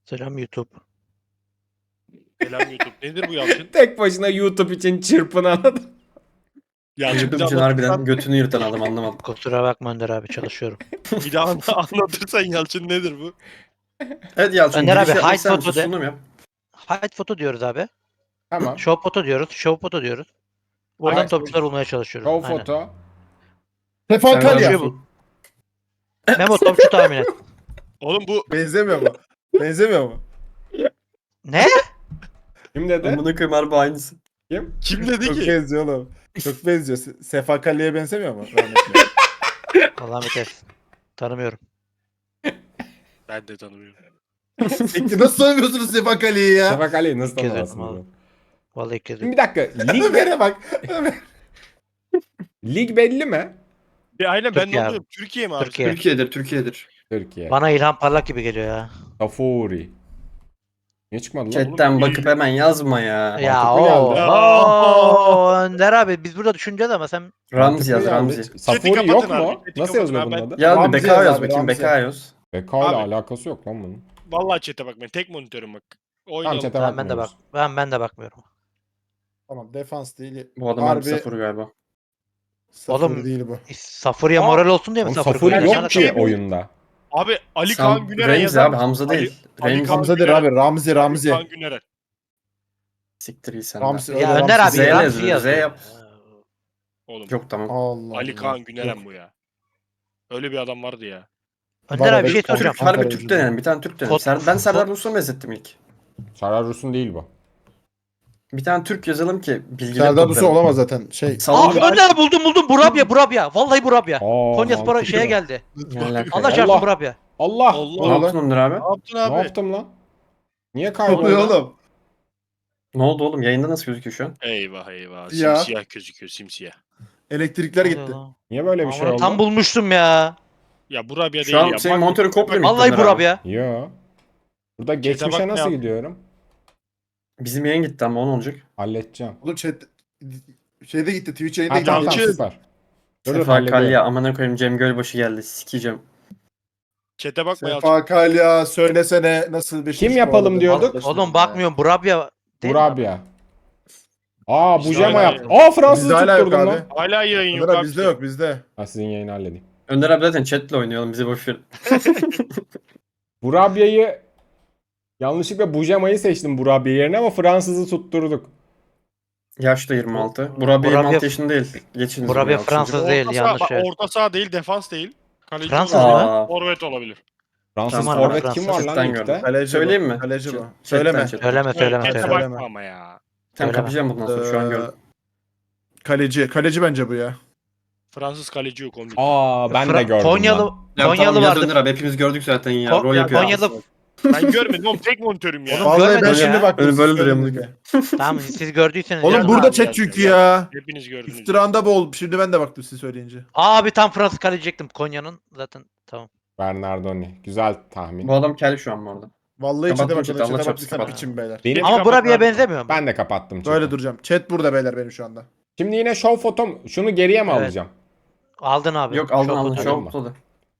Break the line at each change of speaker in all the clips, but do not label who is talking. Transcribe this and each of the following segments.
Selam YouTube.
Selam YouTube. Nedir bu Yalçın?
Tek başına YouTube için çırpınan adam.
Yalçın bir
YouTube
daha
için harbiden
anlatırsan,
götünü yırtan adam anlamadım.
Kusura bakma Önder abi çalışıyorum.
bir daha anlatırsan Yalçın nedir bu?
Evet Yalçın
Önder
giriş
abi,
yapmak
hide
ister misin?
photo de.
Sunum yap.
Hide foto diyoruz abi.
Tamam.
Show foto diyoruz. Show foto diyoruz. Buradan
Hide
topçular bulmaya çalışıyoruz.
Show
Aynen.
foto.
Sefa
Sen
Kalya.
Şey bu. Memo topçu tahmin et.
Oğlum bu
Benzemiyor mu? Benzemiyor mu?
Ne?
Kim dedi?
Amına koyayım harbi aynısı.
Kim?
kim dedi
Çok
ki?
benziyor oğlum. Çok benziyor. Sefa Kalya'ya benzemiyor mu? Rahmetli.
Allah'ım yeter. Tanımıyorum.
Ben de tanımıyorum.
Peki nasıl tanımıyorsunuz Sefa Kalya'yı ya?
Şafak Ali'yi nasıl
İlk kez
tanımazsın?
duydum
oğlum?
Vallahi ilk kez
Şimdi
duydum.
bir dakika. Lig,
Ömer'e bak.
lig belli mi?
Aynen ben
Türkiye
ne
abi.
oluyorum? Türkiye mi abi?
Türkiye.
Türkiye'dir.
Türkiye.
Bana İlhan Parlak gibi geliyor ya.
Tafuri. Niye çıkmadı lan?
Chatten
Oğlum,
bakıp hemen yazma ya.
Ya
Mantıklı
o.
geldi.
Oo, Önder abi biz burada düşüneceğiz ama sen
Ramzi yaz
Mantıklı
Ramzi.
geldi. Safuri
kapatın
yok
abi,
mu?
chat'i
Nasıl
kapatın
yazılıyor
abi,
bunun
ben-
adı?
Yaz bir
Ramzi
BK
yaz
yaz
abi,
bakayım
Ramzi.
BK yaz.
BK ile
Abi.
alakası yok lan bunun.
Vallahi chat'e bakmayın. Tek monitörüm bak.
Tamam
Oynayalım.
chat'e
ben de bak.
bakmıyoruz.
Ben de bakmıyorum.
Tamam defans değil.
Bu adam harbi
Harbi
sıfır galiba.
sıfır
Oğlum,
değil bu.
Safuri'ye
Aa,
moral olsun diye mi
Oğlum
Safuri
Safuri
koyuyorsun?
yok
Ne
ki
alaka?
oyunda.
Abi Ali Kaan Güner'e
Ramzi
yazar
abi
mısın?
Hamza değil.
Ali
Ramzi.
Kaan
Hamza'dır
Güner.
abi. Ramzi.
Ali Kaan Güner'e.
Siktir iyi sen
Ramzi.
de.
Öyle
Ya Önder abi
Ramzi.
Z ile
Ramzi
yazılıyor, Z
yazıyor.
yap.
Oğlum.
Yok tamam.
Allah
Ali
Allah.
Kaan Güner'em
Yok.
bu ya. Öyle bir adam vardı ya.
Önder abi bir şey
Türk-
soracağım.
Türk, harbi
Ankara
Türk
yüzünden.
denelim. Bir tane Türk denelim.
Fot-
Ben Serdar
fot-
Dursun'u benzettim ilk.
Serdar Rus'un değil bu.
Bir tane Türk yazalım ki bilgileri
Serdar Dursun
toplayalım.
olamaz zaten. Şey.
Aa
Salon
Önder abi buldum. Burabya. Vallahi Burabya.
Aa,
Konyaspor
mantıklı.
şeye geldi.
Ne alaka
Allah
ya?
çarpsın
Allah.
Burabya.
Allah.
Allah.
Ne yaptın Onur abi?
Ne yaptın
Ne
abi?
yaptım lan? Niye
Ne
kayboldu?
oluyor oğlum?
Ne oldu oğlum? Yayında nasıl gözüküyor şu an?
Eyvah eyvah.
Ya.
Simsiyah gözüküyor simsiyah.
Elektrikler gitti.
Niye böyle bir şey
Aman,
oldu?
tam bulmuştum ya.
Ya Burabya değil
Şu an
ya.
senin
Bak-
monitörün komple mi?
Vallahi
Onur abi?
Burabya.
Yo. Burada geçmişe
bak ne
nasıl
yaptı?
gidiyorum?
Bizim yayın gitti ama o ne olacak?
Halledeceğim.
Oğlum chat şeyde gitti. Twitch yayında
Ha
gitti.
tamam tamam
Yalçın.
süper. Dur dur
Sefa
hallediyorum.
Kalya amına koyayım Cem Gölbaşı geldi. Sikeceğim.
Chat'e bakma Yalçın.
Sefa Kalya söylesene nasıl bir
Kim yapalım diyorduk?
Oğlum bakmıyorum Burabya. Değil mi?
Burabya. Aa
Bizde
Bujema
hala
yaptı.
yok.
Aa Fransız'ı
Bizde hala yok
tutturdum
abi.
lan.
Hala yayın yok
Önder
abi.
abi bizde yok bizde.
Ha sizin yayını halledeyim.
Önder abi zaten chatle oynayalım bizi boş ver.
Burabya'yı yanlışlıkla Bujema'yı seçtim Burabya yerine ama Fransız'ı tutturduk.
Yaş da 26. Burabya 26
Burabya-
yaşında değil. Geçiniz
Burabya
bunu ya,
Fransız
çocuk.
değil
Orta saha,
yanlış.
bak,
Evet.
orta saha değil, defans değil. Kaleci
Fransız
olabilir.
mı?
Aa,
Forvet olabilir.
Fransız
Kim var
forvet
lan
kim
Fransız?
var lan
Chatten gördüm.
ligde?
Kaleci
Söyleyeyim
bu,
mi?
kaleci bu.
Chatten,
Söyleme.
chatten.
Söyleme
Chat'e
söyleme.
bakma ama ya.
Sen
Söyleme.
kapayacağım bundan sonra şu an gördüm.
Kaleci bence bu ya.
Fransız kaleci yok onun.
Aa ben de
Fra-
gördüm
Konyalı
lan.
Ya
Konyalı
tamam yaz
vardı.
Önder abi hepimiz gördük zaten ya.
Ko-
Rol
ya
yapıyor.
Konyalı
Ben görmedim oğlum, tek monitörüm ya.
Oğlum,
Vallahi ben
görmedim
şimdi
ya.
baktım.
Öyle böyle
siz
duruyor
söylediniz.
Tamam siz gördüyseniz.
Oğlum
yazın
burada
abi.
chat
yaz,
çünkü
yaz.
ya.
Hepiniz gördünüz.
İftiranda bol. Şimdi ben de baktım siz söyleyince.
Abi tam Fransız kaleci diyecektim Konya'nın zaten tamam.
Bernardoni. Güzel tahmin.
Bu adam kel şu an bu arada.
Vallahi
Kapattım
chat'e
chat'i,
bakın.
Allah
Chat'e
çarpsın,
baktıysan
kapat.
biçim beyler.
Benim,
Ama
kapat
Burabya'ya
abi.
benzemiyor mu?
ben de kapattım.
Böyle
chat'i.
duracağım. Chat burada beyler benim şu anda.
Şimdi yine show fotom. Şunu geriye mi
Evet.
alacağım?
Aldın abi.
Yok aldın
Çok
aldın
kötü.
şu
Aldın
an
mı?
da.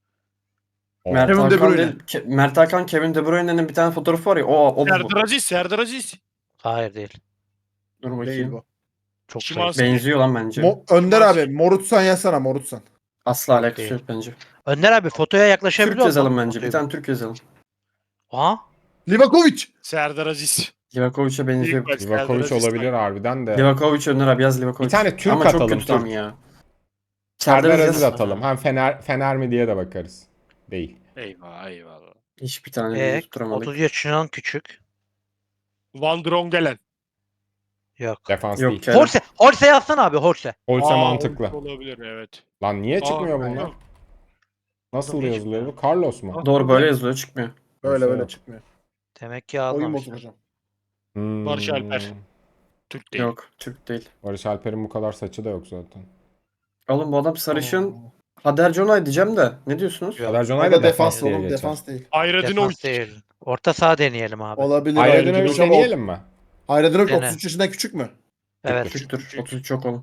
Oo.
Mert
Kevin De
Hakan
Bruyne.
değil. Mert Hakan Kevin De Bruyne'nin bir tane fotoğrafı var ya. O bu.
Serdar Aziz, Serdar Aziz.
Hayır değil.
Dur
Değil
bakayım.
bu.
Çok
Şimanski.
zayıf.
Benziyor lan bence.
Önder abi Morutsan yazsana Morutsan.
Asla alakası
Değil.
yok bence.
Önder abi fotoya yaklaşabiliyor
Türk
musun?
yazalım bence.
Fotoyu-
Bir tane Türk yazalım.
Aha.
Livakovic.
Serdar Aziz.
Livakovic'e benziyor.
İlk baş
Livakovic
Serdar Aziz.
olabilir harbiden de.
Livakovic Önder abi yaz Livakovic.
Bir tane Türk
Ama
atalım,
çok kötü tam
Türk.
ya.
Serdar
Serdar
Aziz
yaz.
atalım. Hem Fener mi diye de bakarız. Değil.
Eyvah eyvallah.
Hiçbir tane bir tutturamadık.
30 yaşından küçük.
Van Drongelen.
Yok.
Defans
Yok
değil.
Kerem.
Horse yazsana abi Horse.
Olsa
Aa,
mantıklı.
Olabilir evet.
Lan niye çıkmıyor
Aa,
bunlar? Nasıl
Niye
yazılıyor bu? Carlos mu?
Doğru böyle yazılıyor çıkmıyor.
Böyle
Yok.
böyle çıkmıyor.
Demek ki
Oyun
almamış.
bozu hocam.
Barış Alper. Türk değil.
Yok Türk değil.
Barış Alper'in bu kadar saçı da yok zaten.
Oğlum bu adam sarışın. Hader Jonay diyeceğim de. Ne diyorsunuz?
Yok.
Kader
O
Jonay
da
da defans diye
oğlum
geçer.
defans değil.
Ayradinovic.
Defans değil. Orta saha deneyelim abi.
Olabilir.
Ayrıca deneyelim mi?
Ayrıca
Dene.
33 yaşından küçük mü?
Evet.
Küçüktür. 33 çok oğlum.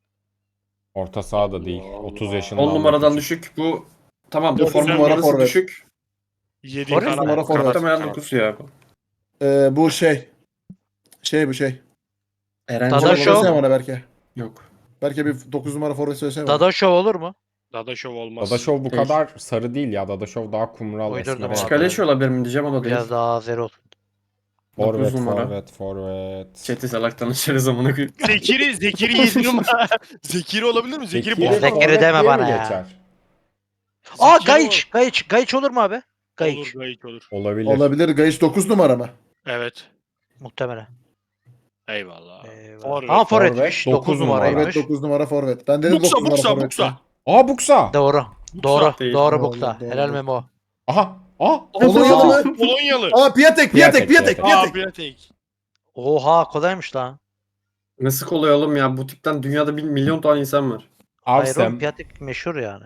Orta saha da değil.
Allah
30
Allah.
yaşından
10
da
numaradan
küçük.
düşük. Bu tamam bu
Yok,
form
numara
numarası
forvet.
düşük.
7
Forvet
kanat.
numara forvet.
Muhtemelen 9 ya.
Bu şey. Bu şey.
Eren
Dadaşov.
Can
Söylesene
olabilir mi?
bana Berke.
Yok.
Berke bir 9 numara forvet söylesene bana.
Dadaşov olur mu?
Dadaşov olmaz.
Dadaşov bu
Değil.
kadar sarı değil ya. Dadaşov daha kumral
Uydurdum
esmer.
abi.
Çikaleşi olabilir mi diyeceğim, o da değil.
Biraz daha Azer olsun.
Forvet,
9 numara.
forvet.
Chat'i salaktan içeriz amına koyayım.
Zekiri 7 numara. Zekiri olabilir mi? Zekiri
Zekiri
bomba.
Zekiri
forvet
deme
diye
bana
mi
ya.
geçer?
Aa
Zekiri
Gayiç olur mu abi?
Olur,
Gayiç.
gayet olur.
Olabilir.
Olabilir. Gayiç 9 numara mı?
Evet.
Muhtemelen.
Eyvallah.
Eyvallah.
Forvet.
Ama
Forvet,
forvetmiş.
9
9
numara.
Forvet
numaraymış.
9 numara forvet. Ben dedim 9 numara forvet.
Buksa.
Aa Buksa.
Doğru. Doğru.
değil.
Doğru
Doğru,
Buksa.
doğru,
Helal
doğru.
Memo.
Aha. Aa.
Polonyalı
Aa.
mı?
Polonyalı.
Aa Piatek.
Piatek.
Aa Piatek.
Oha kolaymış lan.
Nasıl kolay oğlum ya? Bu tipten dünyada 1 milyon tane insan var.
Hayır oğlum
Avsem.
Piatek meşhur yani.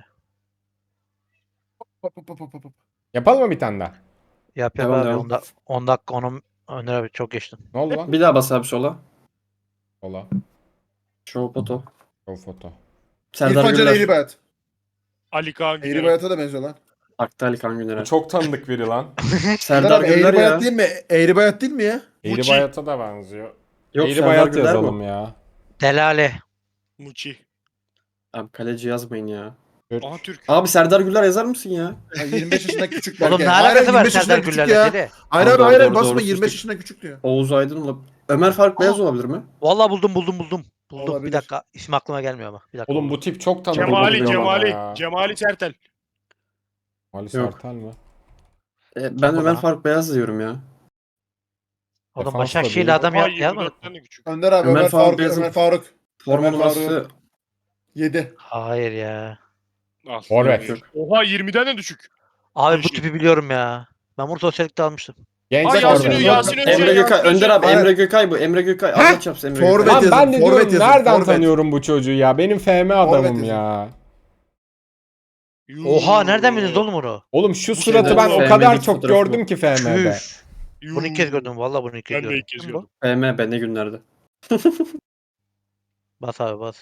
Yapalım mı bir tane daha?
Yap
Devam,
abi.
devam.
10 dakika onun Önder abi çok geçtin.
Ne oldu lan?
Bir daha bas abi sola.
Ola.
Show foto.
O foto.
Serdar
İrfan Can
Güler.
Eğribayat.
Ali Kaan Güler.
Eğribayat'a da benziyor lan.
Aktı Ali Kan Güner'e.
Bu çok tanıdık biri lan.
Serdar Güler ya.
Eğribayat değil mi? Eğribayat değil mi ya?
Eğri Bayat'a da benziyor.
Yok,
Eğri
Serdar
Bayat
Güler
yazalım
mi?
ya.
Delale.
Muçi.
Abi kaleci yazmayın ya.
Türk.
Aha Türk.
Abi Serdar Güler yazar mısın ya?
Ha, 25 yaşında küçük
Oğlum
belki.
ne
Hayır,
alakası var
25 yaşında
Serdar
küçük
Güller'le
ya.
deli?
Hayır
Doğru,
abi hayır
doğru,
basma
doğru,
25
sustuk.
yaşında küçük diyor.
Oğuz Aydın olabilir. Ömer Faruk Beyaz olabilir mi?
Vallahi buldum. Buldum.
Olabilir.
Bir dakika. İsmi aklıma gelmiyor ama. Bir dakika.
Oğlum bu
buldum.
tip çok tanıdık.
Cemali.
geliyor bana ya.
Cemali Sertel.
Cemali
Yok.
Sertel mi?
Ben
Kim bu
Ömer
lan?
Faruk Beyaz diyorum ya.
Oğlum
Defans da
Başakşehir'li
değil.
adam
Oha
yazmadı.
24'ten de küçük.
Önder abi
Ömer
Ömer
Faruk
Faruk.
Beyazıt.
Ömer Faruk.
Forma
Ömer Faruk.
numarası
7.
Hayır ya.
Al.
Forvet.
yok.
Oha 20'den de düşük.
Abi bu
Yeşil.
tipi biliyorum ya. Ben bunu sosyallikte almıştım.
Genç
Aa,
forvet.
Yasin Özcan.
Emre Gökay.
Yasin
Önder
Özcan.
abi
Hayır.
Emre Gökay bu. Emre Gökay. Allah çapsın Emre
Forvet.
Gökay.
Lan
yazın,
ben de
forvet
diyorum
yazın,
nereden
forvet.
tanıyorum bu çocuğu ya? Benim FM adamım
yazın.
ya.
Oha nereden bildiniz oğlum onu?
Oğlum şu
Bu
suratı
şeyden
ben o
sonra
kadar
sevmedik
çok
fotoğrafı
gördüm
bu.
ki FM'de.
Çüş. Bunu ilk kez gördüm. Vallahi bunu ilk kez
Ben de
gördüm.
ilk kez
Kim
gördüm.
bu?
BM ne günlerde.
Bas abi bas.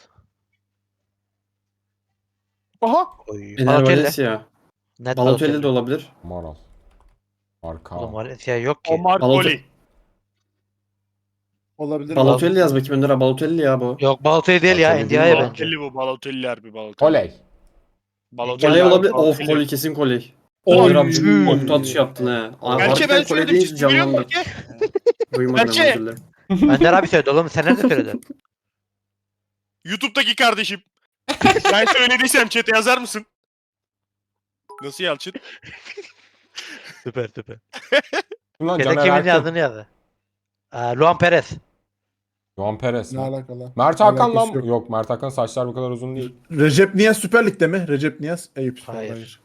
Aha.
Oy.
Ener
Balotelli.
Valencia.
Net
Balotelli de olabilir.
Moral. Arka.
Oğlum Valencia yok ki.
Omar
Balotelli.
Goli.
Olabilir.
Balotelli yaz bakayım Önder abi. Balotelli ya bu.
Yok Balotelli değil ya.
Balotelli
NDI'ye
değil
bence.
Balotelli bu. Balotelli harbi Balotelli.
Oley.
Balotelli
Koley
harbi
olabilir. Of
Balotelli.
Koley kesin Koley.
Oy.
Önder abi nokta atışı yaptın he.
Berke ben
Koley
söyledim.
deyince
Siz biliyor
canlandı.
musun Berke?
Duymadım
Berke.
özür dilerim.
Önder abi söyledi oğlum. Sen nerede söyledin?
YouTube'daki kardeşim. Ben söylediysem chat'e yazar mısın? Nasıl Yalçın?
Süper.
Ulan
Yedek
Caner
kimin
Erkin.
yazdığını yazdı. Luan Perez.
Juan Perez
Ne
mi?
alakalı?
Mert Hakan
Alakası
lan.
yok.
Yok Mert Hakan saçlar bu kadar uzun değil.
Recep Niyaz Süper Lig'de mi? Recep Niyaz Eyüp Spor.
Hayır.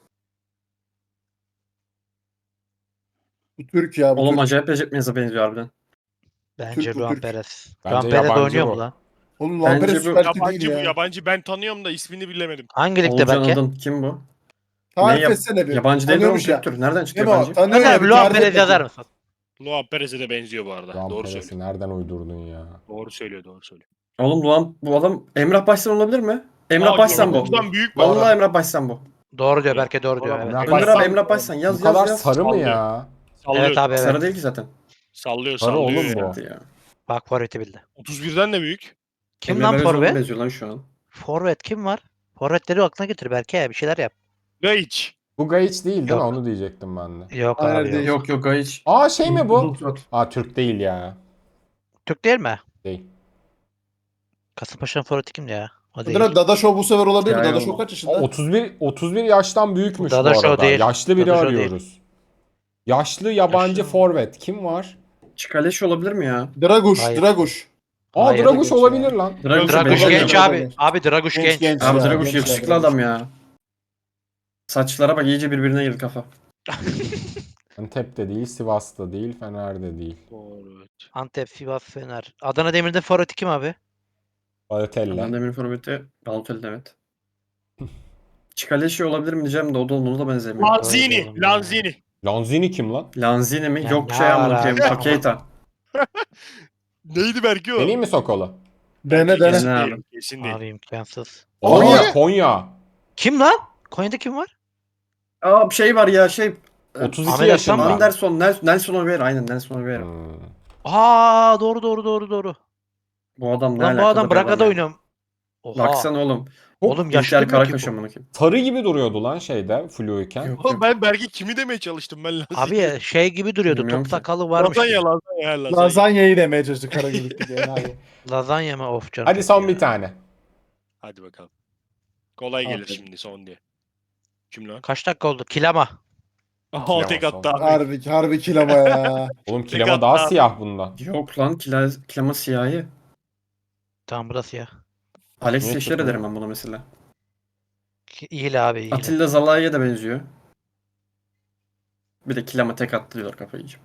Bu Türk ya. Bu
Oğlum
Türk.
acayip Recep Miyaz'a benziyor harbiden.
Bence
Türk bu,
Luan
Türk.
Perez.
Bence
Luan Perez
yabancı
oynuyor
bu.
mu lan?
Oğlum
Bence
Lampere
bu-
Süper Lig'de
Yabancı
değil
bu
ya.
yabancı. Ben tanıyorum da ismini bilemedim.
Hangi ligde
Oğulcan
belki?
Adın. Kim bu?
Tarif
Ne
etsene bir.
Yabancı değil mi oğlum?
Tanıyormuş ya.
Türktür. Nereden çıktı
Değil mi o?
yabancı?
Tanıyor
Önder
ya.
abi
bir
Luan
tarif
Perez
et
yazar
bakayım.
mısın?
Luan Perez'e de benziyor bu arada.
Juan
Doğru
Perez'i
söylüyor.
nereden uydurdun ya?
Doğru söylüyor.
Oğlum Luan bu adam Emrah Başsan olabilir mi? Emrah
Aa,
Başsan bu.
Yavuz'dan büyük bu.
Vallahi Emrah Başsan bu.
Doğru diyor Berke doğru diyor.
Oğlum,
Evet.
Emrah
Önder
Başsan-
abi Emrah Başsan yaz
Bu kadar
yaz yaz.
sarı mı
Sallıyor.
ya?
Sallıyor.
Evet abi evet.
Sarı değil ki zaten.
Sallıyor
Sarı
sallıyor.
oğlum
ya.
bu.
Ya.
Bak forveti bildi.
31'den de büyük.
Kim
Emre
lan
Belözoğlu
forvet?
benziyor lan şu an.
Forvet kim var? Forvetleri aklına getir Berke ya bir şeyler yap.
Gaiç.
Bu Gayiç değil değil mi?
Yok.
Onu diyecektim ben de.
Yok
Hayır,
abi yok.
değil.
Yok yok Gayiç.
Aa şey mi bu?
Uzun surat.
Aa Türk değil ya.
Türk değil mi?
Değil.
Kasımpaşa'nın forveti kimdi ya? O değil.
Önder abi Dadaşov bu sefer olabilir mi?
Ya,
Dadaşov
yok.
kaç
Aa,
yaşında?
31 yaştan büyükmüş bu
Dadaşov
arada.
değil.
Yaşlı biri
Dadaşov
arıyoruz. Yaşlı yabancı
Yaşlı.
forvet kim var?
Çikaleş olabilir mi ya?
Draguş.
Hayır.
Draguş.
Aa
Hayır,
Draguş
genç
olabilir
ya.
lan.
Draguş
Draguş
benziyor.
genç
Benziyor.
abi. Abi Draguş genç.
Genç
Abi
ya,
Draguş
genç
yakışıklı
ya,
adam ya. Saçlara bak iyice birbirine girdi kafa.
Antep'te değil, Sivas'ta değil, Fener'de değil.
Doğru. Evet.
Antep, Sivas, Fener. Adana Demir'de forveti kim abi?
Balotelli.
Ben Demir Forvet'i Balotelli evet. Çikaleşi olabilir mi diyeceğim de o da ona da benzemiyor.
Lanzini.
oğlum ya.
Lanzini.
Lanzini kim lan?
Lanzini mi?
Ya
Yok
ne
şey anlatayım.
alaka?
Pakeita.
Neydi belki o?
Deneyim mi Sokolu?
Dene
Kesin
dene.
Dene
değil. Kesin değil.
Abi imkansız.
Konya.
Konya.
Konya.
Kim lan? Konya'da kim var?
Aa bir şey var ya şey.
32
Ahmet
yaşında.
Hasan mı?
Nelson Oliveira. Aynen Nelson Oliveira.
Hmm.
Aa doğru.
Bu adam ne
Lan bu
alakalı
adam
bir
Braga'da
ya.
oynuyor. Oha.
Baksana oğlum.
Oğlum yaşlı
İlker
durmuyor ki
Karakaş
bu.
amına koyayım.
Sarı gibi duruyordu lan şeyde fluyken.
Yok
Oğlum
yok.
ben Berk'i kimi demeye çalıştım ben Lazanya.
Abi şey gibi duruyordu.
Bilmiyorum
Top
ki.
sakalı varmış
Lazanya
gibi.
lazanya.
Lazanyayı demeye çalıştı Karagümrük'teki enayi.
Lazanya mı? Of canım.
Hadi son
ya.
bir tane.
Hadi bakalım. Kolay gelir
Aferin.
şimdi son diye. Kim lan?
Kaç dakika oldu? Kilama.
Aha tek
son.
attı abi.
Harbi kilama ya.
Oğlum
Tek
kilema
attı
daha
abi.
siyah bundan.
Yok lan Klima siyahi.
Tamam burası ya.
Alex
Niye
Teixeira
çıkmıyor?
derim ben buna mesela.
İyi abi iyi.
Atilla Zalai'ye de benziyor. Bir de Klima tek attı diyorlar kafayı yiyeceğim.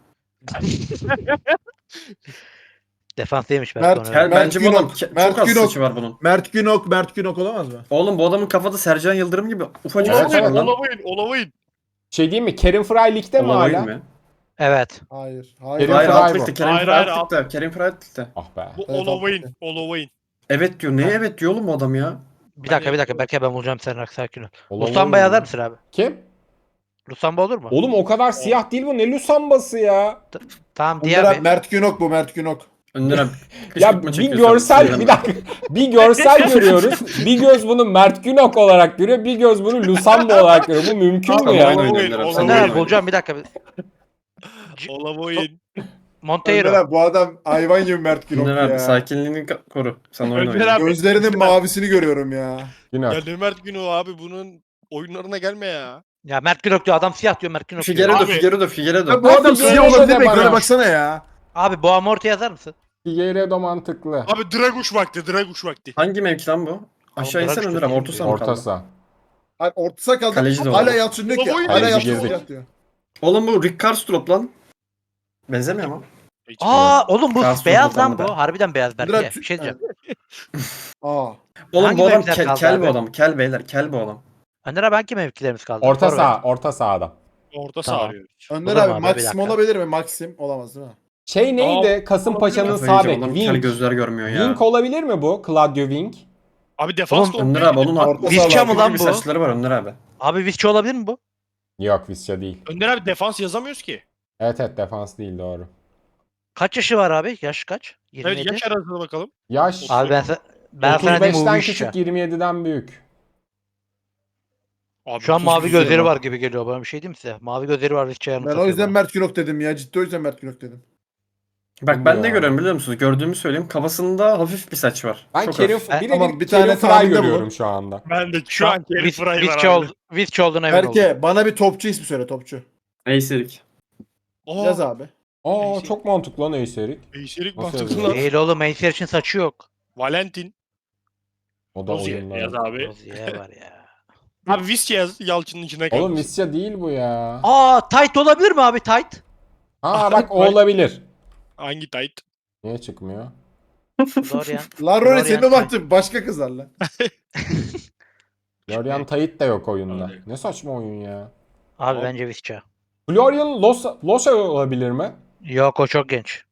Defans değilmiş
Mert-
belki.
Kel,
Mert
bence bu adam
Günok, Mert
çok az
Günok.
saçı var bunun.
Mert Günok olamaz mı?
Oğlum bu adamın kafada Sercan Yıldırım gibi ufacık
Evet,
saçı var
evet.
lan.
Olamayın.
Şey değil mi? Kerim Fry ligde mi
Olamayın
hala?
mı?
Evet.
Hayır.
Kerim
Hayır
Fry
alt
bu.
ligde. Kerim
Hayır,
Fry
hayır,
alt ligde. Kerim Fry alt ligde.
Ah be.
Bu
Evet,
Olamayın.
Evet diyor. Neye evet diyor oğlum bu adam ya?
Bir dakika. Belki ben bulacağım seni sakin ol.
Olamaz
Lusamba
mı?
yazar mısın abi?
Kim?
Lusamba olur mu?
Oğlum o kadar siyah değil bu. Ne Lusambası ya?
Tamam
Önder
diye
abi,
abi.
Mert Günok bu Mert Günok.
Önder abi.
Ya bir görsel bir dakika. Bir görsel görüyoruz. Bir göz bunu Mert Günok olarak görüyor. Bir göz bunu Lusamba olarak görüyor. Bu mümkün mü
Tamam,
ya?
oyun oynuyorlar abi, sen
Önder
oyun
abi bulacağım bir dakika.
Olamayın.
Önder
Monteiro.
abi bu adam hayvan gibi Mert Günok
Önder abi
ya.
sakinliğini koru. Sen oyun
Önder
oyna.
abi.
Gözlerinin mavisini görüyorum ya.
Günok.
Ya ne Mert Günü abi bunun oyunlarına gelme ya.
Ya Mert Günok diyor. Adam siyah diyor Mert Günok diyor.
Figueiredo.
Ya bu adam
Figueiredo
siyah olabilir mi?
de bana.
Ekrana baksana ya.
Abi Boğamorte yazar mısın?
Figueiredo mantıklı.
Abi Draguş vakti.
Hangi mevki lan bu? Aşağı
Bırak
insen
şu
Önder abi.
filmi
Orta
ya.
saha mı
Orta
kaldı?
saha.
Hayır, orta saha kaldı.
Kaleci de
Hala
olabilir.
Yalçın diyor ki.
Baba,
Hala
kaleci
Yalçın
girdik.
siyah diyor.
Oğlum bu Rick Karstrup lan. Benzemiyor mu?
Aa oğlum bu
Karlsruhe
beyaz lan
Sultan'da.
bu. Harbiden beyaz belki.
Önder-
Bir şey diyeceğim.
Aa.
Oğlum
Hangi
bu adam
mevkiler kaldı
kel bu
abi?
adam. Kel beyler. Kel bu adam.
Önder abi hangi mevkilerimiz kaldı?
Orta
Forvet.
saha. Orta sahada.
Orta
Tamam.
saha arıyoruz.
Önder
Olur mu
abi
abi? Bir
Maxim
dakika.
olabilir mi? Maxim olamaz değil mi?
Şey neydi? Kasımpaşa'nın
Kafayı
sağ
yiyeceğim,
bek.
adam kel
Wing.
gözler görmüyor ya.
Wing olabilir mi bu? Claudio Wing.
Abi defans
Oğlum,
Önder abi onun
Orta
Visca
saha
mı
var.
lan
gibi
bu?
saçları var Önder abi.
Abi Visca olabilir mi bu?
Yok Visca değil.
Önder abi defans yazamıyoruz ki.
Evet defans değil doğru.
Kaç yaşı var abi? Yaş kaç? 27.
Evet yaş arasına bakalım.
Yaş
Abi ben sana diyeyim bu
35'ten
Visca.
küçük 27'den büyük.
Abi
Şu an
30
mavi
güzel
gözleri
lan.
var gibi geliyor bana bir şey diyeyim mi size? Mavi gözleri var Visca'ya
Ben o
anımsatıyor
yüzden
bana.
Mert Günok dedim ya. Ciddi o yüzden Mert Günok dedim.
Bak ben de
Ya.
görüyorum biliyor musunuz? Gördüğümü söyleyeyim. Kafasında hafif bir saç var.
Ben
Çok
Kerim,
hafif.
bir de
Ama
bir
bir tane
Kerim Fry
tahminde
görüyorum
bulun.
şu anda.
Ben de
Şu
şu
an
an Kerim Fry var abi.
Visca olduğuna emin oldum.
Berke bana bir topçu ismi söyle topçu.
Eyserik.
Yaz abi.
Aa
Neyse.
çok mantıklı lan Eyserik.
Eşerik
Nasıl
mantıklı
yazıyor?
lan.
Değil oğlum Meyser için saçı yok.
Valentin.
O da
Rozier
oyunlar.
yaz abi.
Rozier var ya.
Abi Visca yaz Yalçın'ın içine kaldı.
Oğlum Visca değil bu ya.
Aa tight olabilir mi abi tight?
Aa bak o olabilir.
Hangi tight?
Niye çıkmıyor?
Dorian.
Lan Rory
Dorian
senin
Tight.
baktın başka kızlarla.
Florian Tayit de yok oyunda.
Abi.
Ne saçma oyun ya.
Abi
Abi.
bence Visca.
Florian Losa olabilir mi?
Yok o çok genç.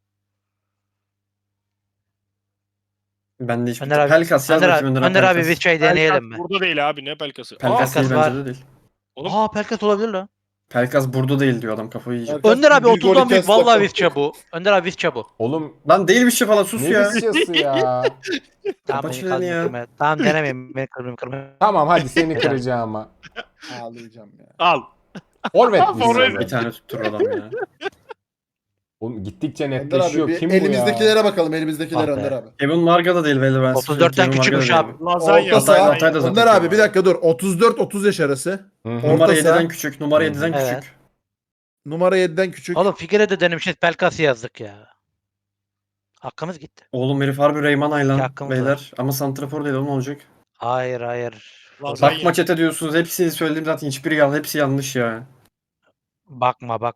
Ben de hiçbir
Önder abi,
Pelkas yaz
Önder
bakayım
abi,
Önder
Önder abi
Pelkas.
Visca'yı deneyelim mi?
Burada değil abi ne pelkası.
Pelkas değil
Pelkas var.
bence de değil.
Oğlum.
Aa Pelkas olabilir lan.
Pelkas burada değil diyor adam kafayı yiyecek.
Pelkas
Önder abi
bir gol
30'dan büyük
iki
vallahi
asist
Visca bu. Önder abi Visca bu.
Oğlum
Lan değil bir şey falan sus
ne
ya.
Visca'sı ya.
Tamam
Kapat
beni
şunu ya.
kırma. Tamam denemeyin beni kırma.
Tamam hadi seni kıracağım ama.
Ağlayacağım ya.
Al.
Forvet
Forvet.
Visca.
Bir tane tutturur adam ya.
Oğlum gittikçe
Önder
netleşiyor.
abi bir
Kim bu ya?
elimizdekiler bakalım elimizdekilere
Ah be.
Önder abi.
Kevin Marga da değil belli ben.
34'ten küçükmüş abi.
Lazanya.
Orta saha.
Altay da zaten
Önder abi
Kevin
bir dakika dur. 34-30 yaş arası.
Hı hı.
Numara
Orta saha.
7'den küçük. Numara 7'den
Evet.
küçük.
Numara 7'den küçük.
Oğlum Figueiredo denemişiz Pelkas'ı yazdık ya. Hakkımız gitti.
Oğlum herif harbi Reyman Aylan
hakkımız
beyler. Ama santrafor değil oğlum olacak.
Hayır.
Lazanya.
Bakma çete diyorsunuz. Hepsini söyledim zaten. Hiçbiri yanlış. Hepsi yanlış ya.
Bakma.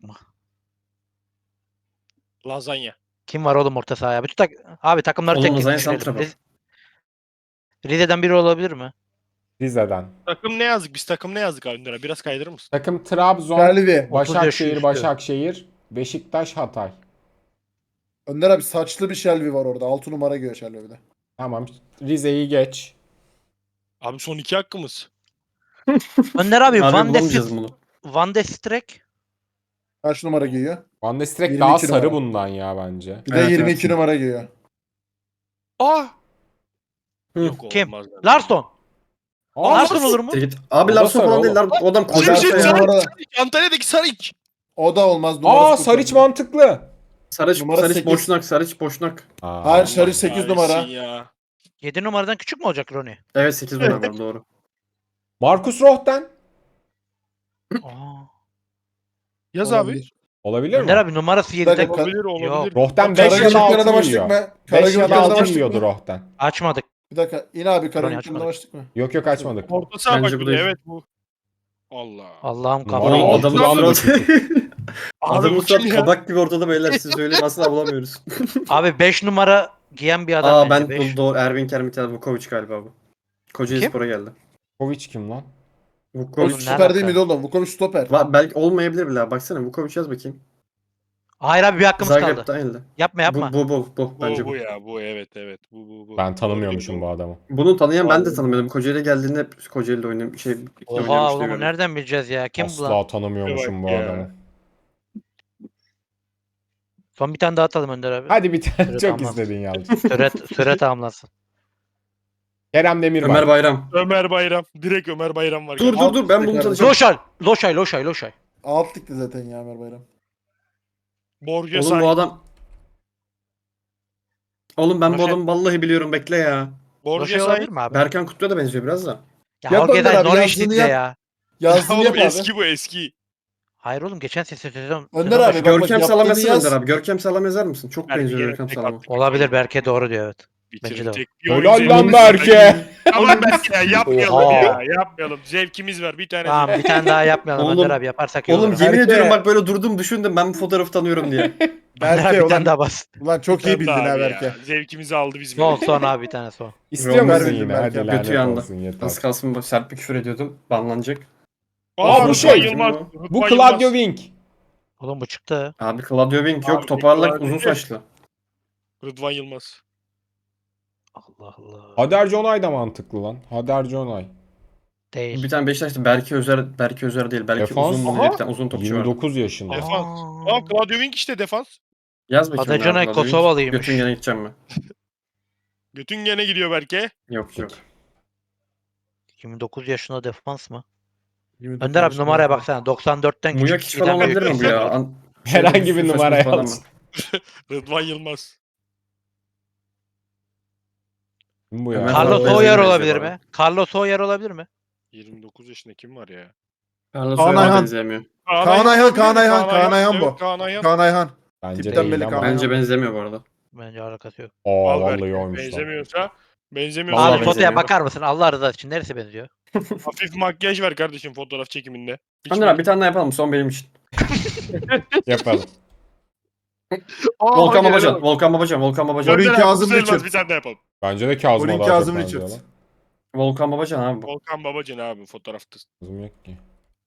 Lazanya.
Kim var oğlum orta sahaya? Bütün abi takımları
Oğlum
tek tek
Lazanya
düşürelim.
santrafor.
Rize'den biri olabilir mi?
Rize'den.
Takım ne yazdık? Biz takım ne yazdık abi Önder'e? Biraz kaydırır mısın?
Takım Trabzon,
Selvi.
Başakşehir,
üstü.
Başakşehir, Beşiktaş, Hatay.
Önder abi saçlı bir Shelby var orada. 6 numara giyiyor Shelby bir de.
Tamam. Rize'yi geç.
Abi son 2 hakkımız.
Önder abi
Harbi
Van de
bulamayacağız bunu.
Van de Streek.
Kaç numara giyiyor?
Van de Streek
22
daha sarı
numara.
bundan ya bence.
Bir de
Evet,
22
evet.
numara giyiyor.
Ah!
Hı.
Yok
Kim?
olmaz. lan.
Larsson.
Aa,
Larsson olur mu?
Git. Abi
O da
Larson
sarı
falan değil.
oğlum.
O adam koca
Larson
Sarıç,
ya.
numara-
Sarıç. Antalya'daki Sarıç.
O da olmaz. Numarası
Aa
çok
Saric
önemli.
mantıklı.
Numara
Sarıç
8.
boşnak, Sarıç boşnak.
Aa,
Hayır Saric 8 numara.
Kahretsin Ya.
7 numaradan küçük mü olacak Rooney?
Evet 8 numara var doğru.
Marcus Rohden.
Aa.
Yaz abi.
Olabilir.
Olabilir
Önder
mi?
abi numarası
Bir dakika,
7'de.
Olabilir olabilir.
Yok.
Rohden 5 ya da
Karagümrük'ten
6
başlık
yiyor.
mı?
5 ya da
Karagümrük'ten
6
başlık
yiyordu
mı?
Rohden.
Açmadık.
Bir dakika. İn abi Karagümrük'ten
açmadık.
başlık mı?
Yok açmadık.
Orta saha
Bence
bak
bu
bir de,
değil.
evet bu. Allah.
Allah'ım
Numara
kafayı.
Oğlum
altı
adamın
lan bu
suratı.
çocuk.
Adamın
bu kim
suratı
ya?
kabak gibi ortada beyler siz söyleyin asla bulamıyoruz.
Abi 5 numara giyen bir adam
Aa
bence.
ben
5.
doğru Ervin Kermitel Vukovic galiba bu. Kocaeli
Kim?
Spor'a geldi.
Kovic kim lan?
Vukovic.
Oğlum, ne
Stoper
alaka?
değil miydi oğlum? Vukovic stoper.
Belki olmayabilir bile. Baksana Vukovic yaz bakayım.
Hayır abi bir hakkımız kaldı.
Zagreb'de aynı.
Yapma yapma.
Bu bence
Bu
bu.
ya bu evet bu.
Ben tanımıyormuşum bu adamı.
Bunu tanıyan ben de
Vallahi.
tanımıyordum. Kocaeli'ye geldiğinde hep Kocaeli'de
Oha
oynamıştı
oğlum
gördüm.
nereden bileceğiz ya? Kim bu lan?
Asla tanımıyormuşum bu
Bak ya.
adamı.
Son bir tane daha atalım Önder abi.
Hadi bir tane
Evet,
çok
tamam.
istedin Yalçın.
Süre tamamlansın.
Kerem Demirbay.
Ömer Bayram.
Ömer Bayram. Direkt Ömer Bayram var.
Dur
kardeşim.
dur ben bunu
Tekrar-
tanıyacağım.
Loşay.
Alt ligde zaten ya Ömer Bayram.
Borja
Oğlum bu
Say.
adam... Oğlum ben bu
Roşen-
adamı vallahi biliyorum bekle ya.
Borja
Loşay
Say.
olabilir mi abi?
Berkan Kutlu'ya da benziyor biraz da.
Ya
Yap Önder
Holge'den
abi,
Norwich
yazdığını
City'de
yap.
ya.
Yazdığını
Oğlum
yap abi.
eski bu eski.
Hayır oğlum geçen sezon.
Önder
sezon
abi,
başı-
bak,
Görkem
yaptığını
Salam
yaz.
yazsana Önder abi. Görkem Salam yazar mısın? Çok
Berke
benziyor
yine
Görkem
tek
Salam'a.
attık.
Olabilir Berke doğru diyor evet. Bence de
Bitirecek.
Helal lan Berke.
Tamam Berke ya yapmayalım
Oha.
ya. Yapmayalım. Zevkimiz var bir tane.
Tamam bir tane daha yapmayalım
Oğlum-
Önder abi yaparsak iyi
Oğlum
olur.
yemin
Berke.
ediyorum bak böyle durdum düşündüm ben bu fotoğrafı tanıyorum diye.
Önder abi
Berke
bir tane
ulan,
daha bas.
ulan çok iyi bildin ha
Abi
Berke.
ya. Zevkimizi aldı bizim.
Son abi bir tane son.
İstiyor
Ömer
musun
bildim
yine?
Berke.
Hadi
Götü
lanet
yandı.
olsun yeter.
Az kalsın sert bir küfür ediyordum. Banlanacak.
Aa, bu
Rıdvan
şey.
Yılmaz.
Bu
Rıdvan
Claudio
Yılmaz.
Wink.
Oğlum bu çıktı.
Abi Claudio Wink yok
Abi,
toparlak
Claudio
uzun
Wink.
saçlı.
Rıdvan Yılmaz.
Allah Allah.
Hader Jonay da mantıklı lan. Hader Jonay.
Değil.
Bir tane Beşiktaş'ta Berke Özer değil. Belki
Defans.
uzun
Aha.
bir tane uzun topçu var.
29 yaşında.
Defans.
Aa.
Aa Claudio Wink işte defans.
Yaz bakayım.
Adecanay
abi, Claudio Wink.
Kosovalıymış.
Götün gene gideceğim mi?
Götün gene gidiyor Berke.
Yok yok.
29 yaşında defans mı?
29
Önder abi
yaşında
numaraya
Berke.
baksana. 94'ten
Muyak
küçük
hiç falan
giden bir-
olabilir mi bu ya?
Herhangi bir
Saçma
numara
sapan
yaz.
ama.
Rıdvan Yılmaz.
Kim bu ya?
Ömer
Carlos
Faruk
Soyer
benziyor
olabilir
bana.
mi? Carlos Soyer olabilir mi?
29 yaşında kim var ya?
Carlos
Kaan
Soyer'e
Ayhan.
benzemiyor.
Kaan Ayhan, Kaan Ayhan, Kaan Ayhan bu.
Evet, Kaan Ayhan.
Kaan Ayhan.
Bence
Tipten
değil
belli
ama.
Kaan
Bence
Ayhan.
benzemiyor bu arada.
Bence alakası yok.
Aa
Al
vallahi
Berke.
oymuş lan.
Benzemiyorsa
Vallahi
Abi fotoya
benzemiyor.
bakar mısın? Allah rızası için neresi benziyor?
hafif makyaj var kardeşim fotoğraf çekiminde. Hiç
Önder abi bir tane daha yapalım son benim için.
Yapalım.
Volkan
gel
Babacan,
oğlum.
Volkan Babacan, Volkan Babacan.
Orayı-
Önder abi,
Kazım
sayılmaz,
Richard.
bir tane daha yapalım.
Bence de Kazım'a
Orayı
daha çok
Kazım
benziyor
Richard.
lan.
Volkan Babacan abi bu.
Volkan Babacan abi fotoğrafta.
Kazım yok ki.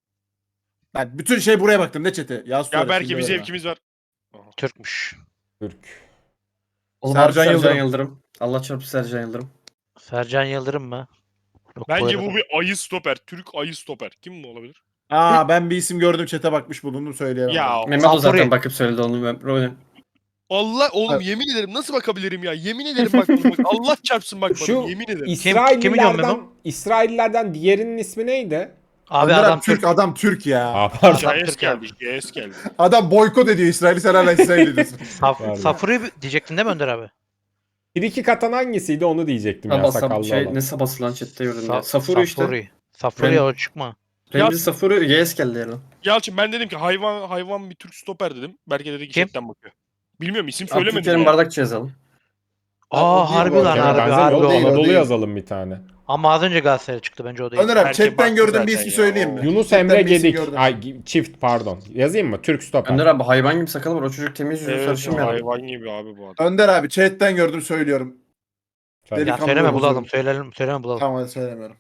Ben bütün şey buraya baktım ne çete? Yaz
Ya
sonra,
belki
şimdi
bir
verme.
zevkimiz var.
Türkmüş.
Türk.
Oğlum
Sercan
Sercan
Yıldırım.
Yıldırım. Allah çarpsın Sercan Yıldırım.
Sercan Yıldırım mı? Yok,
Bence
arada-
bu bir ayı stoper. Türk ayı stoper. Kim bu olabilir?
Aa ben bir isim gördüm çete bakmış bulundum söyleyemem.
Ya
Mehmet o
Safuri.
zaten bakıp söyledi onu.
Allah oğlum
Evet.
yemin ederim nasıl bakabilirim ya? Yemin ederim bakmadım. Bak, Allah çarpsın bakmadım.
Şu
Yemin ederim.
Kimi
İsraillilerden,
diyorsun
İsraillilerden diğerinin ismi neydi?
Abi
Önder
adam
abi Türk, adam Türk ya.
Aa pardon.
Adam
JS
Türk
geldi. JS geldi.
Adam boykot ediyor İsrail'i sen hala İsrail diyorsun.
Pardon.
Safuri diyecektin değil mi Önder abi?
Bir katan hangisiydi onu diyecektim ya sakallı
Şey,
olan.
ne sabası lan chatte gördüm ya.
Sa-
Safuri işte.
Safuri
Ben-
o çıkma.
Remzi Safuri YS geldi yani.
Yalçın ben dedim ki hayvan bir Türk stoper dedim. Berke dedi ki
Kim?
chatten bakıyor. Bilmiyorum isim söylemedim
Abdülkerim
ya.
Bardakçı yazalım.
o
Aa
değil bu
harbi
arada.
lan
Kerem
harbi
benzemiyor.
harbi
O
o.
değil, o
Anadolu
değil.
yazalım bir tane.
Ama az önce Galatasaray çıktı bence o değil.
Önder abi
Belki
chatten
baktı
gördüğüm bir
zaten
ismi
ya.
söyleyeyim mi?
Yunus
Chatten
Emre
bir isim
Gedik.
gördüm.
Ay çift pardon. Yazayım mı? Türk stoper.
Önder abi hayvan gibi sakalı var. O çocuk temiz yüzlü
Evet,
sarışın bir adam.
hayvan gibi abi bu adam.
Önder abi chatten gördüm söylüyorum.
Sen-
Dedik
Ya
ama
söyleme
böyle
bulalım.
bozuldu.
Söyleme bulalım.
Tamam hadi söylemiyorum.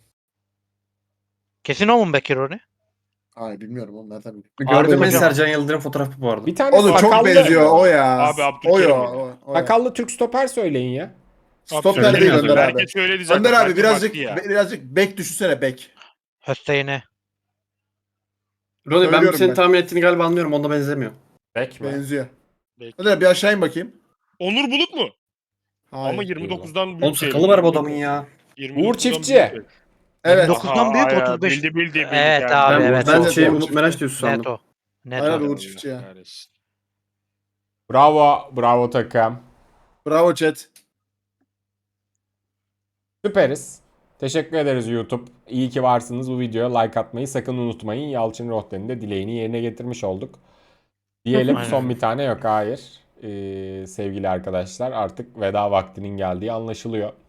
Kesin o mu Bekir Rooney?
Ay bilmiyorum oğlum nereden bileyim.
Gördüğüm en
hocam.
Sercan Yıldırım fotoğrafı bu arada.
Bir tane
Oğlum çok
sakallı,
benziyor o ya.
Abi
o
Abdülkerim
ya.
ya.
O ya.
sakallı Türk stoper söyleyin ya.
Stoper
Söyleyeyim
değil
ya,
Önder abi.
Berke söyledi zaten.
Önder abi
Berke
birazcık
baktı ya.
birazcık bek düşünsene bek.
Hüseyin'e.
Roni ben
Söylüyorum
senin
ben.
tahmin ettiğini galiba anlıyorum. Onda benzemiyor.
Bek mi?
Benziyor.
Bekle.
Önder abi bir aşağı in bakayım.
Onur Bulut mu?
Hayır.
Ama 29'dan büyük.
Oğlum sakalı var bu adamın ya.
29'dan
Uğur
büyük
Çiftçi.
değil.
Evet.
29'dan büyük
Aha,
35.
bildi,
Evet
geldi.
abi,
Ben,
evet.
ben
Çok
şey
doğru.
Umut Meraş diyorsun
Net
sandım.
o. Net
Aynen
o.
Uğur Çiftçi ya.
Kahretsin.
Bravo. Bravo takım.
Bravo chat.
Süperiz. Teşekkür ederiz YouTube. İyi ki varsınız. Bu videoya like atmayı sakın unutmayın. Yalçın Rohten'in de dileğini yerine getirmiş olduk. Diyelim
Aynen.
son bir tane yok. Hayır. Sevgili arkadaşlar artık veda vaktinin geldiği anlaşılıyor.